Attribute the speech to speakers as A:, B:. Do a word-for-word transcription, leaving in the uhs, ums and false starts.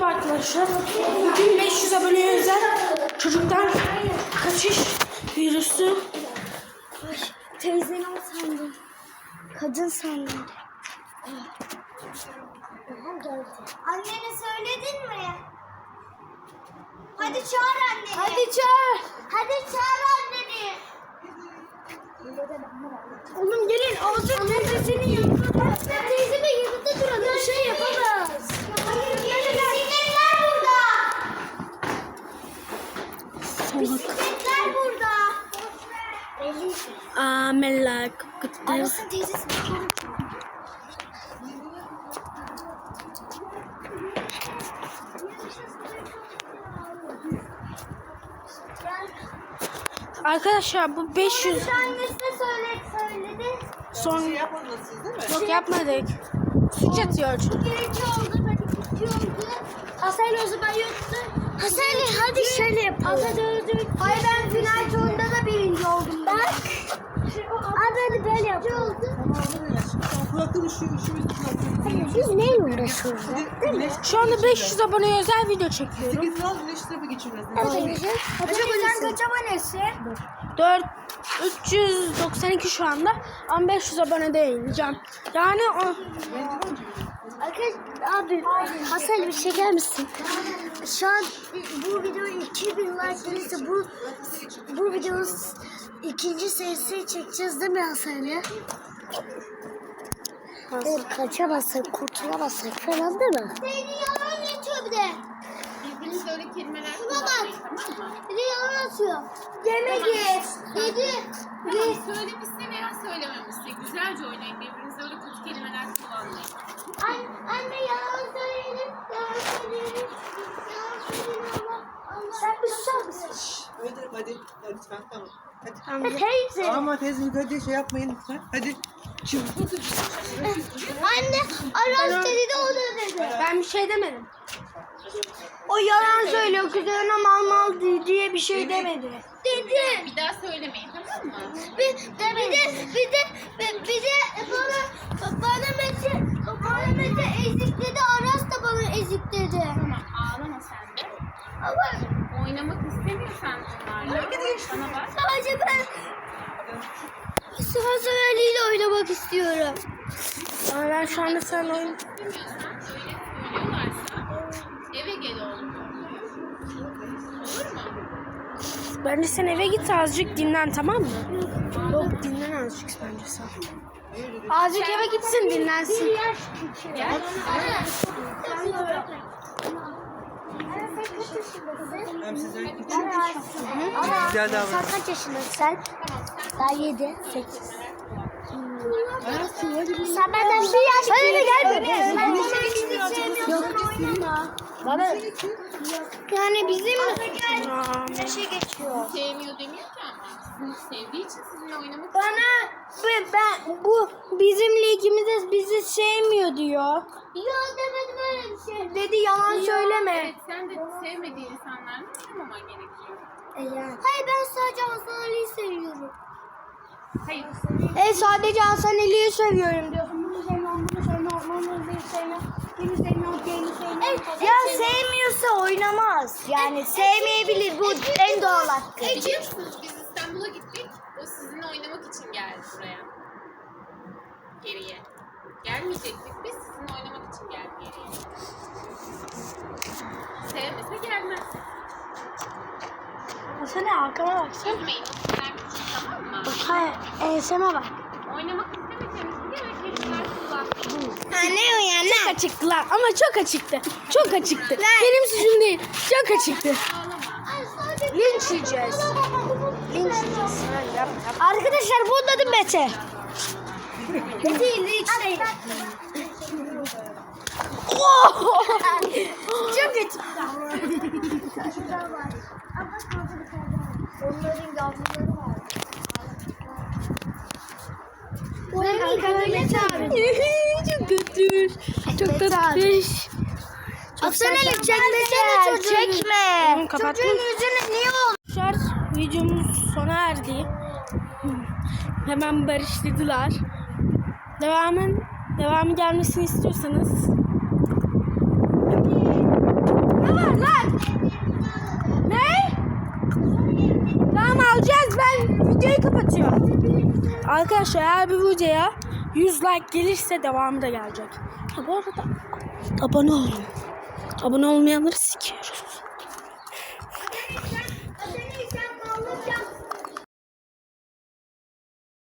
A: Merhaba arkadaşlar. Bugün beş yüz aboneye özel çocuktan kaçış virüsü.
B: Ay, teyzeni o sandım. Kadın sandım. Annene söyledin mi? Hadi çağır anneni. Hadi çağır. Hadi çağır anneni. Oğlum gelin. Ağzı teyzesinin yanında. Teyzemin yanında duralım. Bir şey yapamaz. Bisikletler burada. Bisikletler burada.
A: Amela kıttı.
B: Arasın teyzesi.
A: Arkadaşlar bu beş yüz
B: Annesine söyle, söyledi.
A: son
C: Yapmadınız siz değil mi?
A: yok yapmadık. Suç atıyor.
B: Birinci oldu, hadi ikinci oldu. Hasan o zaman yoktu. Hasan hadi şöyle yapalım. Hasan öldü. Hayır ben final turunda da birinci oldum. Bak. Abi hadi böyle yapalım.
C: Kulaktan üşüyor, üşümüz kulaktan.
B: Biz neyle uğraşıyoruz?
C: Güneş
A: Şu anda beş yüz aboneye özel video çekiyorum.
C: sekiz al, güneş tarafı geçirmez.
B: Hocam sen kaç abonesi?
A: dört üç yüz doksan iki şu anda ama beş yüz abonede yayınlayacağım. Yani o
B: Arkadaşlar abi Hasan bir çeker misin? Şu an bu video iki bin like gelirse bu bu videonun ikinci serisini çekeceğiz değil mi Hasan'la? Evet, kaçamazsak, kurtulamazsak falan değil mi? Seni yalan atıyor bir de.
D: Birbirinize öyle kelimeler
B: Şuna bak.
D: kullanmayın, tamam mı?
B: Bir de yalan atıyor. Yemek ye. Dedi.
D: Tamam, söylemişse veya söylememişse güzelce oynayın. Birbirinize öyle kötü kelimeler kullanmayın.
B: An anne yalan söyleyelim. Yalan söyleyelim. Yalan söyleyelim ama. Sen bir susar mısın?
C: Hadi hadi, hadi lütfen tamam. Hadi.
A: Tamam.
B: Teyze.
C: Ama teyze hadi şey yapmayın lütfen. Hadi. Şimdi.
B: Anne Aras dedi de o da dedi.
A: Ben bir şey demedim.
B: O yalan söylüyor kızlarına mal mal diye bir şey demedi. Dedi.
D: Bir daha söylemeyin, tamam mı?
B: Bir de bir de bir de bir bir de bana bana Mete bana Mete ezik dedi. Aras da bana ezik dedi.
D: Tamam, ağlama sen de.
B: Ama
D: Oynamak istemiyorsan onlarla bana bak.
B: sadece ben sıra severliğiyle oynamak istiyorum.
A: Ama ben şu anda sen oyun
D: İstemiyorsan öyle söylüyorlarsa eve gel oğlum. Olur mu?
A: bence sen eve git azıcık dinlen, tamam mı? Yok, dinlen azıcık bence sen. Azıcık eve gitsin, dinlensin.
D: Gel.
C: Hem sizden küçük.
B: Ana,
C: Güzel davran.
B: sen kaç yaşındasın sen? Daha yedi, sekiz. Sen benden bir yaş büyük. Ben bana hiç sevmiyorsun. Bana yani bizim
A: Aa,
B: şey geçiyor.
D: Sevmiyor demiyor ki ama. Sevdiği için sizinle oynamak
B: Bana ben, ben bu bizim ligimizde bizi sevmiyor diyor. Yok demedim öyle bir şey. Dedi yalan söyleme.
D: Evet, sen de sevmediğin insanlarla oynamaman gerekiyor.
B: Hayır ben sadece Hasan Ali'yi seviyorum.
D: Hayır.
B: E sadece Hasan Ali'yi seviyorum diyorsun. Bunu sevmiyorum, bunu sevmiyorum, bunu sevmiyorum. Bunu sevmiyorum, diğerini sevmiyorum. Ya sevmiyorsa oynamaz. Yani sevmeyebilir. Bu en doğal hakkı.
D: Biliyor musunuz biz İstanbul'a gittik. O sizinle oynamak için geldi buraya. Geriye. Gelmeyecektik biz sizinle oynamak için geldi geriye. Sevmese gelmez.
A: Hasan arkama baksana.
D: Üzmeyin o sizden küçük, tamam mı?
A: Hayır, enseme bak.
D: Oynamak istemediğimiz diğer kelimeler kullanmayın.
B: Anne uyan.
A: Çok açıktılar ama çok açıktı. Çok açıktı. Benim suçum değil. Çok açıktı.
D: Ağlama.
A: Linç yiyeceğiz. Linç yiyeceğiz. Ha, yap, yap.
B: Arkadaşlar bunun adı Mete. Mete linç değil. Çok kötü. Onların yavruları var. Onların
A: Çok kötü. Çok kötü.
B: Hasan Ali çekmesene çocuğu. Çekme.
A: Oğlum, kapattın.
B: Çocuğun yüzüne niye oldu?
A: Arkadaşlar videomuz sona erdi. Hemen barıştılar. Devamın devamı gelmesini istiyorsanız videoyu kapatıyorum. Arkadaşlar eğer bir videoya yüz like gelirse devamı da gelecek. Ha, bu arada abone olun. Abone olmayanları sikiyoruz.